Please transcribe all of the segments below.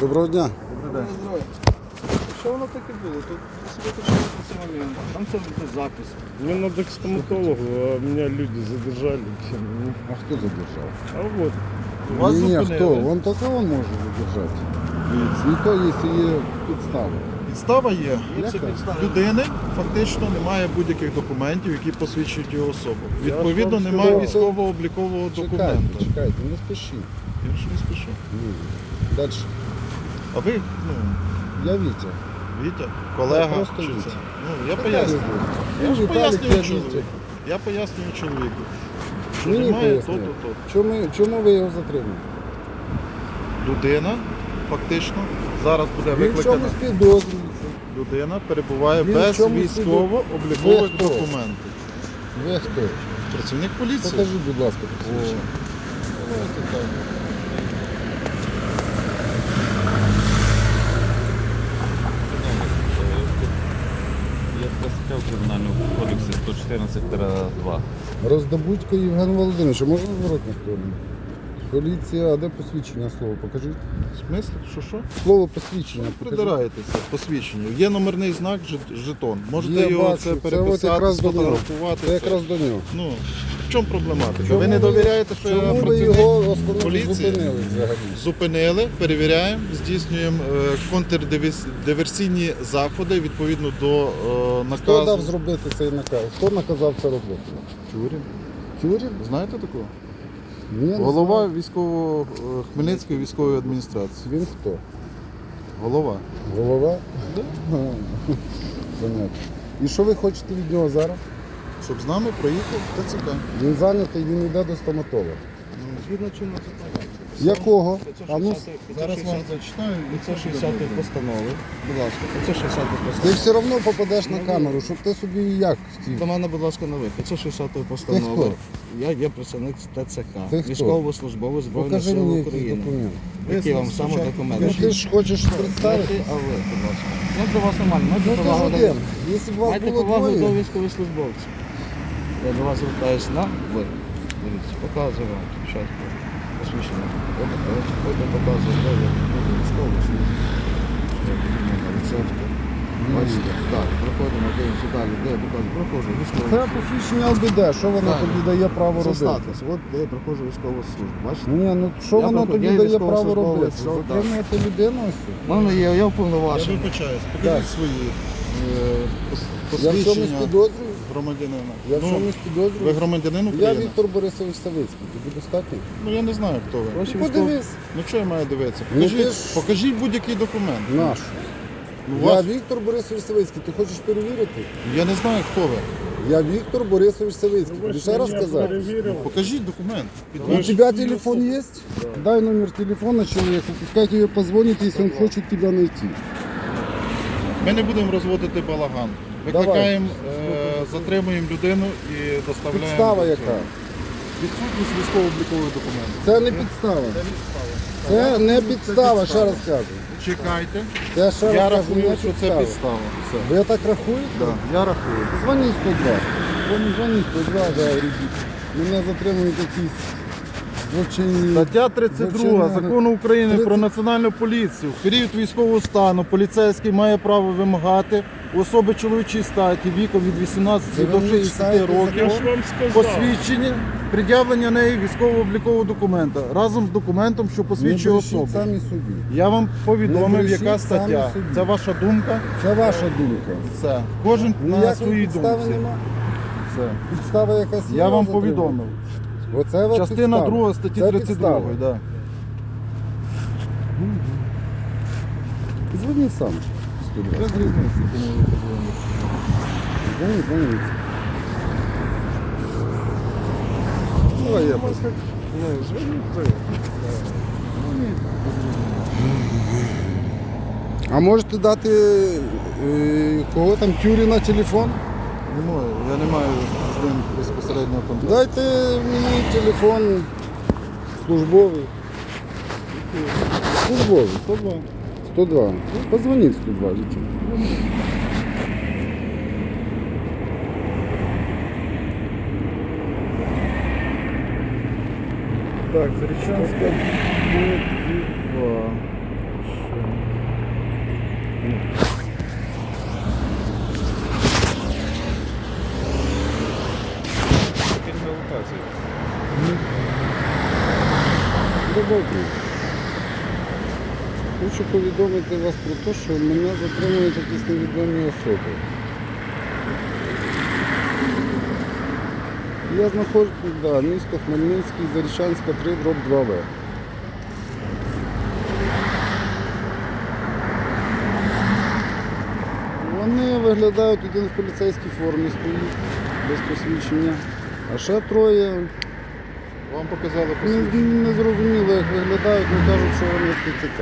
Доброго дня. Добрий день. Що воно таке було? Тут собі почали цей момент. Там це буде запис. Мне надо к стоматологу, а меня люди задержали. А хто задержав? А вот, Вас Ні, зупинили. хто? Вон тільки він може задержати. Не то, якщо є підстави. Підстава є. Яка? Людини фактично немає будь-яких документів, які посвідчують його особу. Відповідно, вам немає сказав. військово-облікового Чекайте, документа. чекайте, не спішіть. Я ж не спішу. Далі. А ви, Я Вітя. Вітя, колега, Я просто чи Вітя. це? Я пояснюю. Я ж пояснюю чоловіку. Я пояснюю чоловіку. Що Мені немає то, пояснили. то. Чому ви його затримали? Людина фактично зараз буде Він в викликана. чомусь підозрюється. Людина перебуває Він в без чомусь військово-облікових Ви хто? документів. Ви хто? Працівник поліції. Покажіть, будь ласка, посвідчення. Є така стаття в Кримінальному кодексі 114-2. Роздобудько Євген Володимирович, а можна зворотну сторону? Поліція, а де посвідчення слово? Покажіть. В смислі? Що? Слово посвідчення. покажіть. Придираєтеся посвідчення. Є номерний знак, жетон. Можете Є, його бачу. це Це от переписати, якраз до нього. сфотографувати. Це якраз до нього. Ну, в чому проблематика? Чому ви не довіряєте, що я чому ви працівник його поліції? зупинили взагалі? Зупинили, перевіряємо, здійснюємо контрдиверсійні заходи відповідно до наказу. Хто дав зробити цей наказ? Хто наказав це робити? Тюрін. Тюрін? Знаєте такого? Ні, не Голова знаю. Хмельницької військової адміністрації. Він хто? Голова. Голова? Да. Понятно. І що ви хочете від нього зараз? Щоб з нами проїхав ТЦК. Він зайнятий, він йде до стоматолога. Згідно чинного законодавства. Якого? А ну, Зараз вам зачитаю. Це 60-ї постанови. Будь ласка, це 60-ї ти постанови. все одно попадеш на камеру, щоб ти собі як хотів. До мене, будь ласка, на вихід. Це 60-ї Ти постанови. хто? Я є представник ТЦК. Ти хто? Військовослужбовець Збройних Покажи сил мені якийсь України. документ. Які вам саме документи? Ну ти ж хочеш Не представити? ти, а ви, будь ласка. Ну, для вас нормально. Ну Майте ти ж повагу один. Якщо б вас Майте було повагу до двоє, військовослужбовців. Я до вас звертаюся на ви. Дивіться, показую вам спочатку посвідчення. Ось показую, де ви військовослужбовці. Рецепти. Бачите? Так, проходимо, дивимося далі. Де я показую? Проходжу це військову. посвідчення ЛБД, що воно Так. тобі дає право Це робити? статус. От де я проходжу військову службу. Бачите? Ні, ну що Я воно проход- тобі я дає право військовослужбовець, робити? що так. Затримувати людину ось? У мене є, я Я уповноважений. вибачаюсь. Так. Покажіть свої Я в чомусь посвідчення підозрюю? громадянина. Я в Ну, чомусь ви підозрюю? громадянин Я України? Віктор Борисович Савицький, тобі достатньо? Ну я не знаю, хто ви. Ваші Подивись. Ну що я маю дивитися? Ну, Покажіть, ти ж- покажіть будь-який документ. Наш. Ну, Я вас... Віктор Борисович Савицький, ти хочеш перевірити? Я не знаю, хто ви. Я Віктор Борисович Савицький, тобі ще раз сказати? перевірив. Покажіть документ. У тебя телефон есть? Дай номер телефона человеку, пускай тебе позвонит, если он хочет тебя найти. Ми не будемо розводити балаган. Викликаємо, затримуємо людину і доставляємо. Підстава до яка? цього. Відсутність військово-облікових документів. Це не підстава. Це не підстава, ще раз кажу. Чекайте. Це ще Я раз кажу, рахую, не що це підстава. підстава. Все. Ви так рахуєте? Да, я рахую. Дзвоніть 102. Дзвоніть 102, да, ребят. Мене затримують якісь злочинні. Стаття 32 Злочинна- Закону України 30. про національну поліцію. В період військового стану поліцейський має право вимагати у особи чоловічої статі віком від 18 Це до ви 60 читаєте Я років ж вам сказав. посвідчення, пред'явлення неї військово-облікового документа разом з документом, що Не посвідчує брешіть особу. самі собі. Я вам Не повідомив, брешіть яка самі стаття. собі. Це ваша думка. Це ваша думка. Все. Кожен на Ніякої своїй підстави думці. нема. Все. Підстава якась є. Я вам затримання? повідомив. Оце от Частина підстава. 2 статті Це 32. підстава. Да. Дзвоніть сам. Без різниці, кому ви подзвоните. Дзвоніть, дзвоніть. Давай я просто. А можете дати кого там Тюріна телефон? Не можу, я не маю з ним безпосереднього контакту. Дайте мені телефон службовий. Службовий, 102. 102. Ну, позвоніть 102, дітей. Так, Зарічанська, 2, Добре. Хочу повідомити вас про те, що мене затримують якісь невідомі особи. Я знаходжусь, місто Хмельницький, Зарічанська, 3/2В. Вони виглядають, один в поліцейській формі стоїть, без посвідчення, а ще троє Вам показали посвідчення. не зрозуміло, як виглядають, але кажуть, що вони з ТЦК.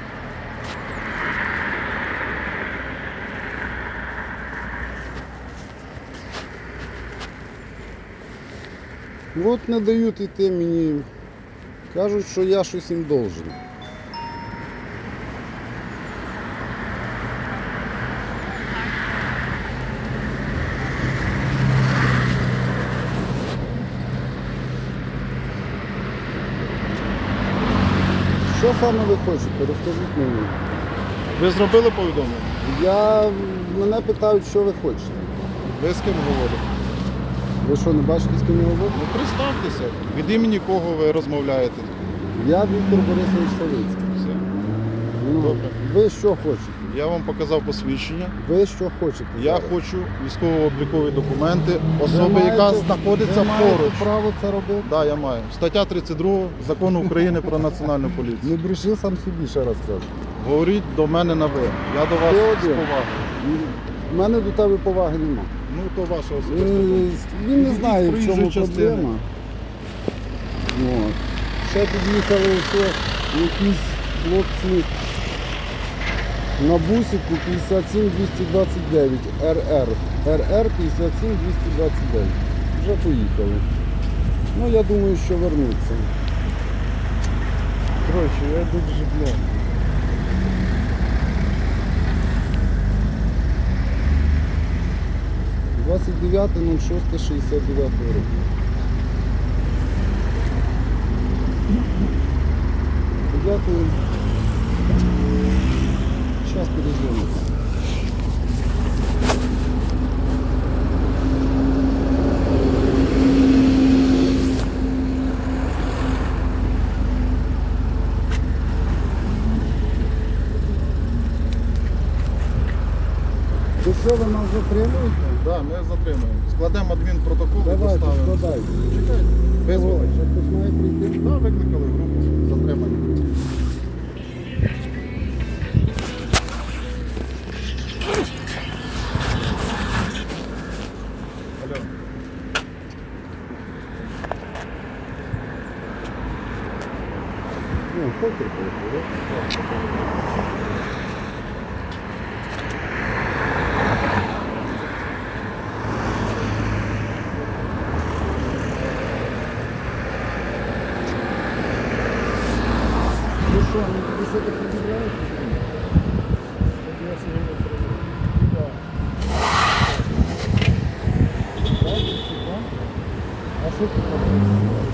От не дають йти мені, кажуть, що я щось їм должен. Що саме ви хочете? Розкажіть мені. Ви зробили повідомлення? Мене питають, що ви хочете. Ви з ким говорите? Ви що, не бачите, з ким я говорю? Ну представтеся, від імені кого ви розмовляєте. Я Віктор Борисович Савицький. Все. Ну, Добре. ви що хочете? Я вам показав посвідчення. Ви що хочете? Я зараз? хочу військово-облікові документи Ви особи, яка маєте- знаходиться ви маєте поруч. право це робити? Так, я маю. Стаття 32 Закону України про національну поліцію. Не бреши сам собі, ще раз кажу. Говоріть до мене на ви. Я до вас Ти з один. повагою. У мене до тебе поваги нема. Ну, то ваша особиста думка. Він не Ідіть знає, з в проїжджої чому частини. проблема. От. Ще під'їхали все, якісь хлопці на бусику 57229 РР. РР 57229. Вже поїхали. Ну, я думаю, що вернуться. Коротше, я йду в житло. — 29.06.69 року. Дякую. Зараз перезвоню. То що, ви нас затримуєте? Так, ми затримуємо. Складемо адмінпротокол і Давайте, доставимо. складайте. Чекайте. Визвали. Ще хтось має прийти? Так, викликали групу. Затримання. Алло. Ну, покер поїхав, да? Ну що, ну тобі що ти пред'являєш? Я сьогодні проведу. А що ти робиш?